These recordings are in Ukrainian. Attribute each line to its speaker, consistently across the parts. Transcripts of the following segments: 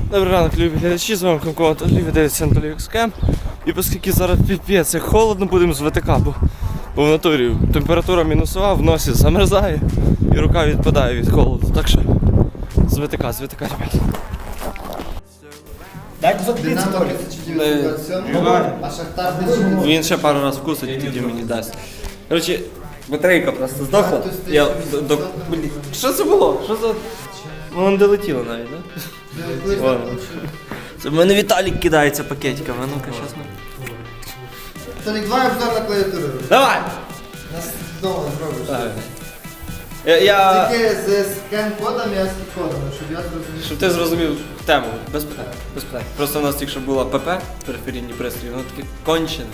Speaker 1: Добрий ранок, любі глядачі, з вами Комко, любі дивиться Анатолій Екскем. І оскільки зараз піпець, як холодно, будемо з ВТК, бо в натурі температура мінусова, в носі замерзає і рука відпадає від холоду. Так що з ВТК, ребят.
Speaker 2: Дайте закриться трохи. А Шахтар не.
Speaker 1: Він ще пару разів вкусить і тоді мені дасть. Коротше, батарейка просто здохла. Я блін, що це було? Що за... Ну, не долетіло навіть, так? Це в мене Віталік кидається пакетиками, а ну-ка, щас ми.
Speaker 2: Толік, давай обзор на клавіатуру.
Speaker 1: Давай!
Speaker 2: Нас вдома зробиш.
Speaker 1: Так. Я...
Speaker 2: Тільки з скан-кодом і ASCII-кодом, щоб я зрозумів.
Speaker 1: Щоб ти зрозумів тему, без питань, без питань. Просто у нас тільки що була ПП, периферійні пристрої, воно таке кончене.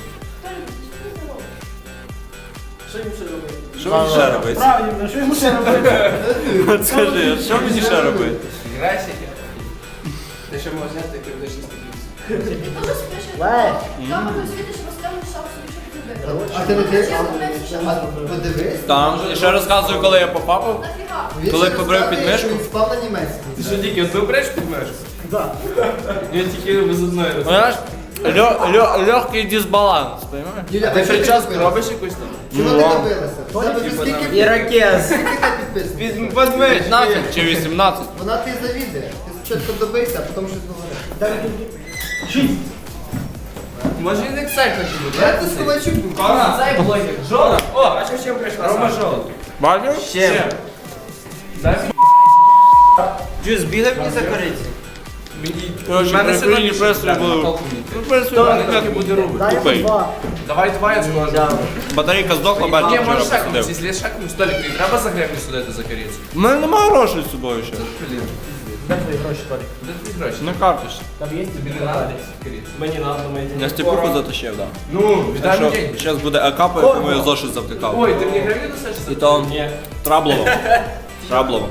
Speaker 2: Що їм ще робити?
Speaker 1: Що мені ще робити?
Speaker 2: Правильно, що йому ще робити?
Speaker 1: От скажи, що мені ще робити?
Speaker 3: Грайсики. Ти ще можеш зняти періодичні статті.
Speaker 4: Там можна звідти, що розказуєш, що собі що ти
Speaker 2: А ти не дивишся? Подивись.
Speaker 1: Там, і ще розказую, коли я попав.
Speaker 2: Він
Speaker 1: Коли
Speaker 2: ще
Speaker 1: побрив
Speaker 2: розказує,
Speaker 1: підмишку?
Speaker 2: що він спав на німецькому.
Speaker 3: Ти що, тільки одну береш під межу? Так. Я тільки без одної
Speaker 1: Понимаєш? Легкий дисбаланс, понимаєш?
Speaker 2: Юля,
Speaker 3: Ти
Speaker 2: а що
Speaker 3: прическу
Speaker 2: добилася?
Speaker 3: робиш якусь там?
Speaker 2: Чого ти добилася? В тебе вже скільки
Speaker 1: Ірокез.
Speaker 2: скільки ти підписів?
Speaker 3: Подмиш.
Speaker 1: 15 чи 18?
Speaker 2: Вона ти завідує. Ти спочатку добийся, а потім щось говориш.
Speaker 3: Може він Excel хоче бути?
Speaker 2: Я тут Ковальчук був.
Speaker 3: Цей блогер. Жора. О, бачиш, чим прийшла? Рома Жора.
Speaker 1: Бачив?
Speaker 3: Ще. Дай
Speaker 1: Джус, збігай мені за кориці.
Speaker 3: мені.
Speaker 1: Коротше, периферійні пристрої були. Ну,
Speaker 3: Хто не так і буде робити?
Speaker 1: Тупий.
Speaker 3: Давай два я скажу.
Speaker 1: Батарейка здохла, бачив,
Speaker 3: Ні,
Speaker 1: вчора
Speaker 3: можеш шакнути.
Speaker 1: посидив.
Speaker 3: Якщо шакнути, столик, тобі треба за гривню судити за корицю?
Speaker 1: У мене немає грошей з собою ще.
Speaker 3: Де твої гроші, Толік? Де твої гроші?
Speaker 1: На карточці.
Speaker 3: Тобі не треба корицю.
Speaker 1: Мені надо, я степуху затащив, так.
Speaker 3: Ну, віддай мені деньги.
Speaker 1: Зараз буде АК, по якому я зошит завтикав.
Speaker 3: Ой, ти мені гривню досиш?
Speaker 1: І то Траблово. Траблово.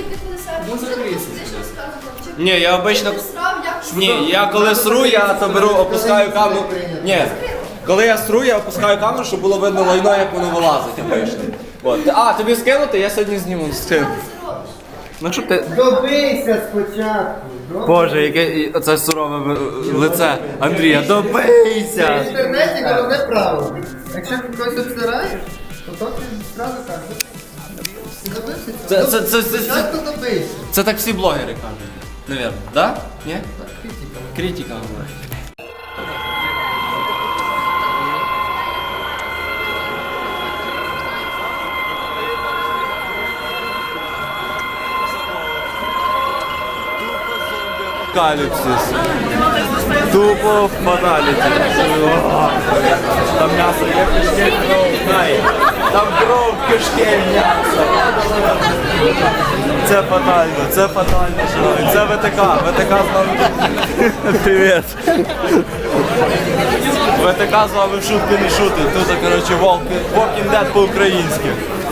Speaker 1: Ні, я обично... Ні, я коли сру, я то беру, опускаю камеру. Ні, коли я сру, я опускаю камеру, щоб було видно лайно, як воно вилазить обично. От. А, тобі скинути? Я сьогодні зніму з цим. Ну щоб ти...
Speaker 2: Добийся спочатку.
Speaker 1: Боже, яке оце сурове лице Андрія,
Speaker 2: В
Speaker 1: добийся!
Speaker 2: інтернеті головне правило. Якщо когось обсираєш, то ти одразу кажеш. Ти добився цього? Спочатку добийся.
Speaker 1: Це так всі блогери кажуть, навірно, да? Ні? Критика говорить. Каліпсис. Тупо фаталіті. Там м'ясо є, кишки, кров, знає. Там кров, кишки, м'ясо. Це фатально, шановні. Це ВТК. ВТК з вами. Привіт. ВТК з вами в шутки не шутить. Тут, коротше, Walking Dead по-українськи.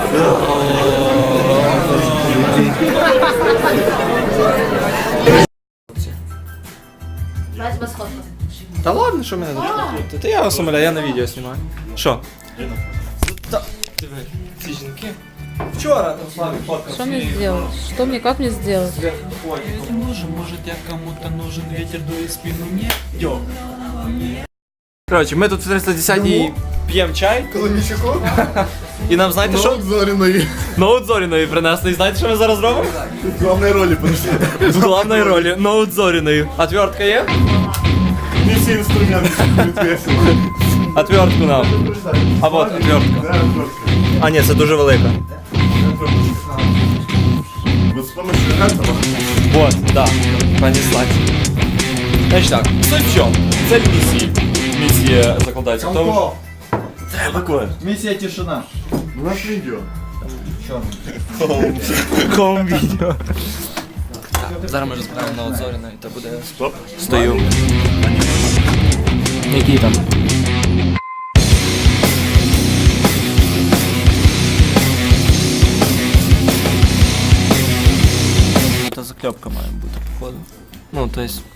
Speaker 4: Брать без фото.
Speaker 1: Та ладно, що мене зашкодити? Та я вас умоляю, я на відео знімаю. Що? Та, диви, ці жінки. Вчора там Славік фоткав.
Speaker 5: Что мне сделать? Что мне, как мне сделать?
Speaker 6: Может я кому-то нужен ветер дует в спину мне? Йо.
Speaker 1: Коротше, ми тут в 310-й п'ємо чай,
Speaker 2: Коломійчуку?
Speaker 1: і нам знаєте що?
Speaker 7: Зоріної.
Speaker 1: Ноут Зоріної принесли. І знаєте, що ми зараз робимо?
Speaker 7: В главной ролі подошли.
Speaker 1: В головній ролі Ноут Зоріної. Отвертка є?
Speaker 7: Не всі інструменти будуть весело.
Speaker 1: Отвертку нам. А вот отвертка. А ні, це дуже велика.
Speaker 7: Вот з помощью этого.
Speaker 1: Вот, да. Понеслась. Значить так, суть в чому? Цель місії. Місія закладається в тому, що...
Speaker 2: Місія тишина.
Speaker 7: У нас відео.
Speaker 1: Хом відео. Зараз ми розбираємо Ноут Зоріної, та буде...
Speaker 7: Стоп.
Speaker 1: Стою. Який там? Та закльопка має бути, походу. Ну, то есть...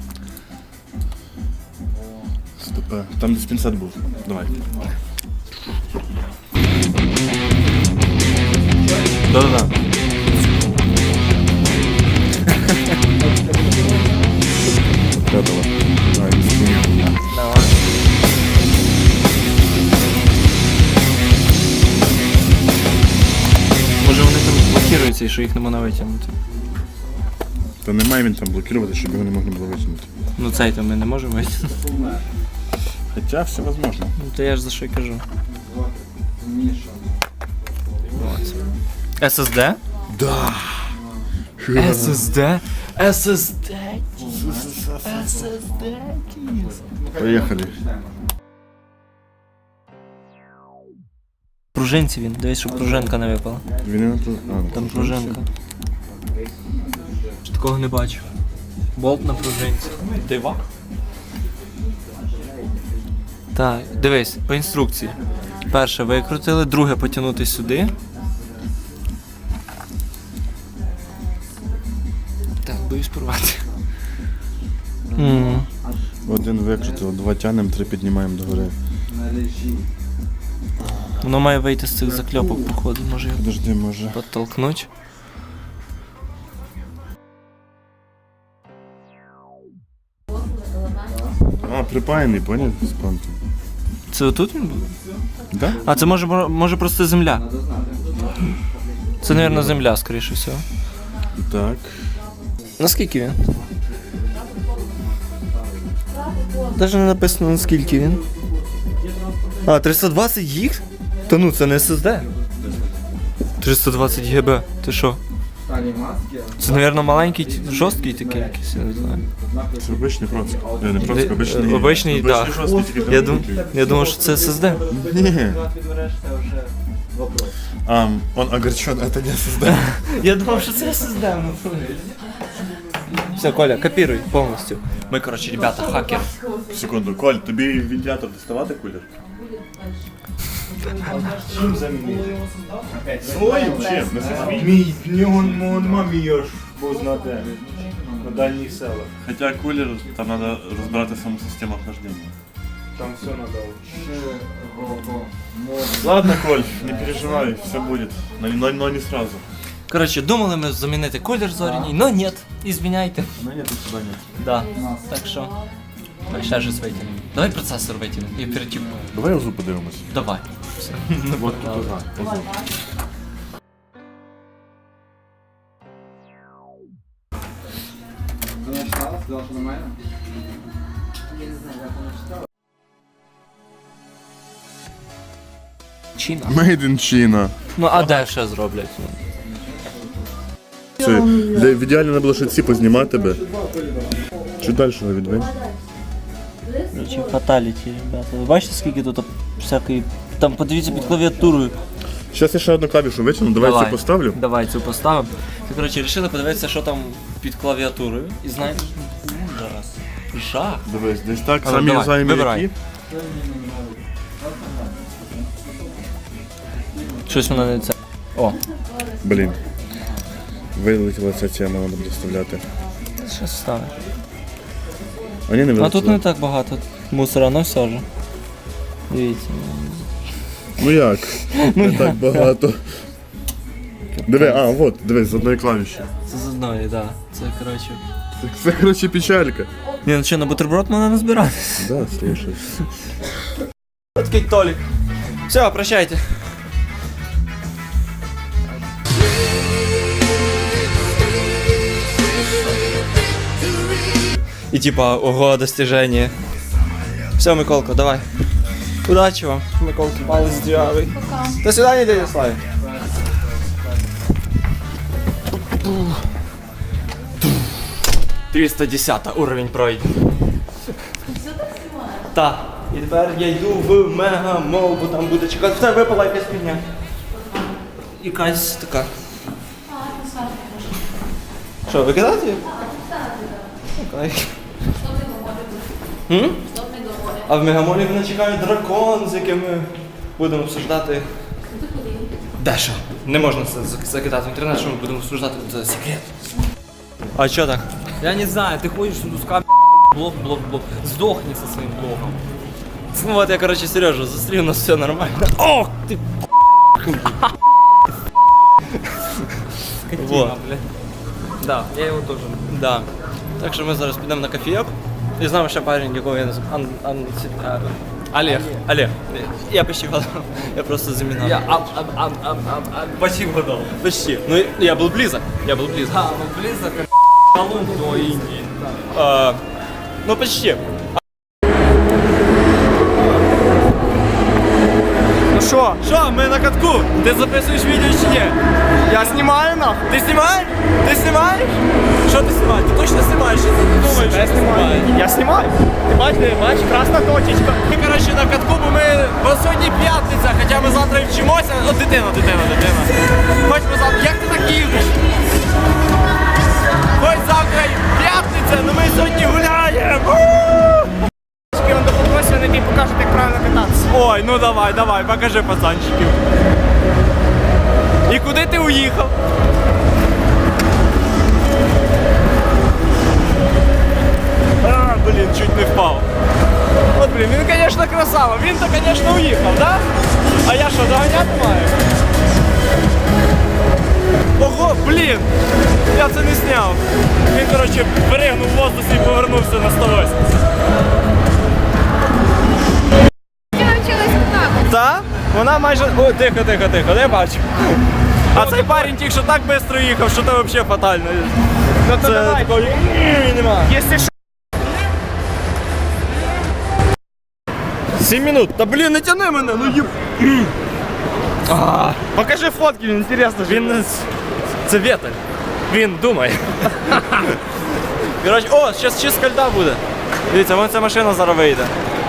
Speaker 7: Стоп. Там диспенсат був. Давай.
Speaker 1: Да-да-да.
Speaker 3: блокується і що їх не можна витягнути.
Speaker 7: Та немає він там блокувати, щоб його не можна було витягнути.
Speaker 3: Ну цей то ми не можемо витягнути.
Speaker 7: Хоча все возможно.
Speaker 3: Ну то я ж за що й кажу. От. SSD?
Speaker 7: Да.
Speaker 3: SSD? SSD?
Speaker 7: Поїхали.
Speaker 3: Пружинці він, дивись, щоб пружинка не випала.
Speaker 7: Він не тут.
Speaker 3: Там пружинка. Такого не бачу. Болт на пружинці. Дива. Так, дивись, по інструкції. Перше викрутили, друге потягнути сюди. Так, боюсь порвати.
Speaker 7: Один викрутив, 2 тянемо, 3 піднімаємо догори.
Speaker 3: Воно має вийти з цих закльопок, походу, може його
Speaker 7: Подожди, може.
Speaker 3: підтолкнуть.
Speaker 7: А, припаяний, поняв? З понтом.
Speaker 3: Це отут він був?
Speaker 7: Да?
Speaker 3: А, це може просто земля. Це, мабуть, земля, скоріше всього.
Speaker 7: Так.
Speaker 3: Наскільки він? Навіть не написано наскільки він. А, 320 гіг? Та ну, це не SSD. 320 ГБ, ти що? Це, мабуть, маленький, жорсткий такий якийсь, я не знаю.
Speaker 7: Це обичний процик. Не процик, обичний.
Speaker 3: Обичний, так.
Speaker 7: жорсткий, тільки
Speaker 3: Я думав, що це SSD.
Speaker 7: Ні. Он огорчен, это не SSD.
Speaker 3: Я думав, що це SSD. Все, Коля, копіруй повністю. Ми, коротше, ребята, хакер.
Speaker 7: Секунду, Коль, тобі вентилятор доставати кулер? Чим замінити? Своїм? Чим? Не свій?
Speaker 8: Мій, в нього мамі є ж, бо знати, на дальніх селах.
Speaker 7: Хоча кулер, там треба розбирати саму систему охлаждення.
Speaker 8: Там все надо.
Speaker 7: Ладно, Коль, не переживай, все будет. Но не сразу.
Speaker 3: Коротше, думали ми замінити колір зоряній, но ні, извиняйте.
Speaker 7: Но нет, сюда нет.
Speaker 3: Да, так що... Давай ще щось витягнемо. Давай процесор витягнемо і перетіпуємо.
Speaker 7: Давай узу подивимось.
Speaker 3: Давай. Все.
Speaker 7: Вот тут уза.
Speaker 3: Чина.
Speaker 7: Made in China.
Speaker 3: Ну а де ще зроблять?
Speaker 7: Це, в ідеалі не було ще ці познімати би. Чуть далі його відвинь.
Speaker 3: Чи фаталіті, ребята. Ви бачите, скільки тут всякої... Там подивіться під клавіатурою.
Speaker 7: Зараз я ще одну клавішу витягну, давай цю поставлю.
Speaker 3: Давай цю поставимо. Ти, коротше, вирішили подивитися, що там під клавіатурою. І знаєш, ужас. Жах.
Speaker 7: Дивись, десь так,
Speaker 3: Але
Speaker 7: самі
Speaker 3: давай,
Speaker 7: знаємо
Speaker 3: вибирай.
Speaker 7: які.
Speaker 3: Щось вона не це. О,
Speaker 7: Блін. Вилетіла ця тема, треба буде вставляти.
Speaker 3: що ставиш?
Speaker 7: А ні, не
Speaker 3: А
Speaker 7: вилетіла.
Speaker 3: тут не так багато мусора, но все ж. Дивіться.
Speaker 7: Ну як? Не так багато. Диви, от, дивись, з одної клавіші.
Speaker 3: Це з одної, так. Да. Це, коротше.
Speaker 7: Це, коротше, печалька.
Speaker 3: Ні, ну що, на бутерброд можна назбирати?
Speaker 7: Да, слушай.
Speaker 3: Такий Толік. Все, прощайте. И типа, ого, достижение. Все, Миколка, давай. Удачи вам, Миколка, палец здравый. До свидания, дядя Славик. 310 уровень пройден. Так. І тепер я йду в мегамол, бо там буде чекати. Все, випала якась фігня. Якась така. Що, викидати? Окей. А в мегамолі мене чекає дракон, з яким ми будемо обсуждати. Дещо. Не можна це закидати в інтернет, що ми будемо обсуждати, це секрет. А що так? Я не знаю, ти ходиш тут з блок. Сдохни со своим блоком. Ну вот я, короче, Сережу застрелил, у нас все нормально. Ох ты! Вот. Да, я его тоже. Да. Так що ми зараз підемо на кофеек. І з нами ще парень, якого я називаю Олег. Я почти гадал. Я просто заминал.
Speaker 1: Почти вгадав.
Speaker 3: Почти. Ну, я был близок.
Speaker 1: Ну близько, Колумб до Індії.
Speaker 3: Ну, почти.
Speaker 1: Ну що?
Speaker 3: Що, ми на катку? Ти записуєш відео чи ні?
Speaker 1: Я знімаю нахуй.
Speaker 3: Ти знімаєш? Ти знімаєш? Що ти знімаєш? Ти точно знімаєш? Що ти не думаєш?
Speaker 1: Я знімаю. Я знімаю. Ти бачиш, красна точечка.
Speaker 3: Ми, коротше, на катку, бо сьогодні п'ятниця, хоча ми завтра і вчимося. О, дитина. Хоч ми завтра, як ти так їздиш? Хоч завтра і п'ятниця, але ми сьогодні гуляємо.
Speaker 1: Він допомогся, не тобі покажуть, як правильно кататися.
Speaker 3: Ой, ну давай, покажи пацанчиків. І куди ти уїхав? Блін, чуть не впав. От, блін, він, звісно, красава. Він-то, звісно, уїхав, да? А я що, доганяти маю? Ого, блін! Я це не зняв. Він, коротше, перегнув в воздусі і повернувся на 180.
Speaker 4: Ти навчилась так.
Speaker 3: Та? Вона майже... О, тихо, не бачу. А цей парень тільки що так швидко їхав, що це взагалі фатально.
Speaker 1: Ну то
Speaker 3: Це
Speaker 1: давай.
Speaker 3: такого нема.
Speaker 1: Якщо що.
Speaker 3: 7 минут. Та блін, не тяни мене, ну їб.
Speaker 1: Покажи фотки, мені інтересно.
Speaker 3: Він... Це Вєтель. Він думає. Коротше, о, зараз чистка льда буде. Дивіться, вон ця машина зараз вийде.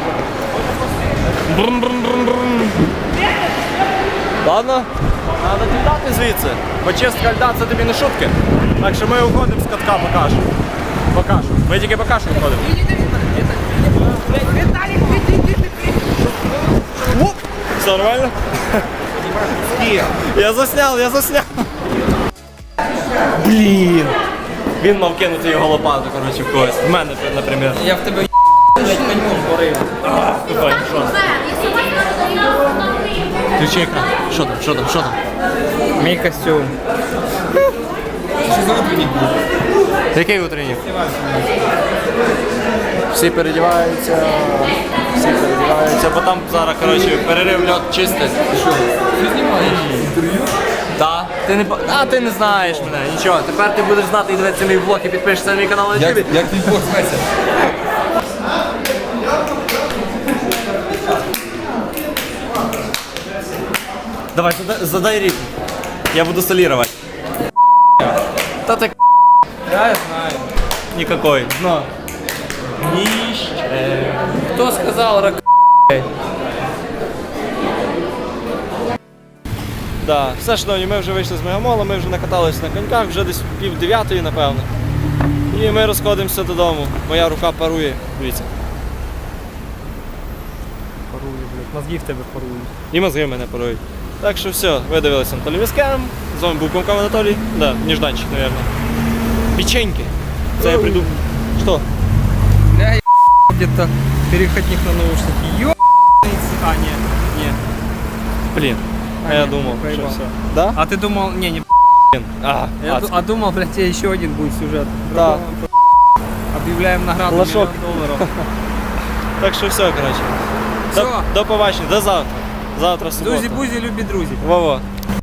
Speaker 3: Брум-брум-брум-брум. Ладно, треба тікати звідси. Бо чистка льда це тобі не шутки. Так що ми уходимо з катка покажу. Ми тільки покажу виходимо. Оп! Все нормально? Я засняв. Блін. Він мав кинути його лопату, коротше, в когось. В мене, наприклад.
Speaker 1: Я в тебе блядь, коньком порив.
Speaker 3: Включи екран. Що там?
Speaker 1: Мій костюм. Що за утренник був?
Speaker 3: Який утренник? Всі передіваються, бо там зараз, коротше, перерив льот чистить.
Speaker 1: Ти знімаєш інтерв'ю?
Speaker 3: Так. Ти не знаєш мене, нічого. Тепер ти будеш знати і дивитися мій влог і підпишешся на мій канал на YouTube.
Speaker 1: Як твій блог зветься?
Speaker 3: Давай, задай ритм. Я буду солировать. Та так
Speaker 1: Я знаю.
Speaker 3: никакой.
Speaker 1: Но. Хто сказав рак?
Speaker 3: Да, все, шановні, ми вже вийшли з Мегамола, ми вже накаталися на коньках, вже десь 8:30, напевно. І ми розходимося додому. Моя рука парує, дивіться.
Speaker 1: Парує, блядь. Мозги в тебе парують.
Speaker 3: І мозги в мене парують. Так що все, ви дивилися Анатолій Віскером. З вами був Комков Анатолій. Да, нежданчик, мабуть. Печеньки. Це я прийду. Що?
Speaker 1: Бля, я где-то переходник на наушники. Ё***ный. А, не.
Speaker 3: Блін. А я думав, що
Speaker 1: проїбав.
Speaker 3: все. Да?
Speaker 1: А ты думал, не.
Speaker 3: А,
Speaker 1: думал, блядь, тебе еще один будет сюжет.
Speaker 3: Да.
Speaker 1: Объявляем награду
Speaker 3: Лошок.
Speaker 1: $1 000 000.
Speaker 3: Так що все, коротше.
Speaker 1: Все.
Speaker 3: До побачення, до завтра. Завтра субота.
Speaker 1: Друзі-бузі, любі друзі.
Speaker 3: Во-во.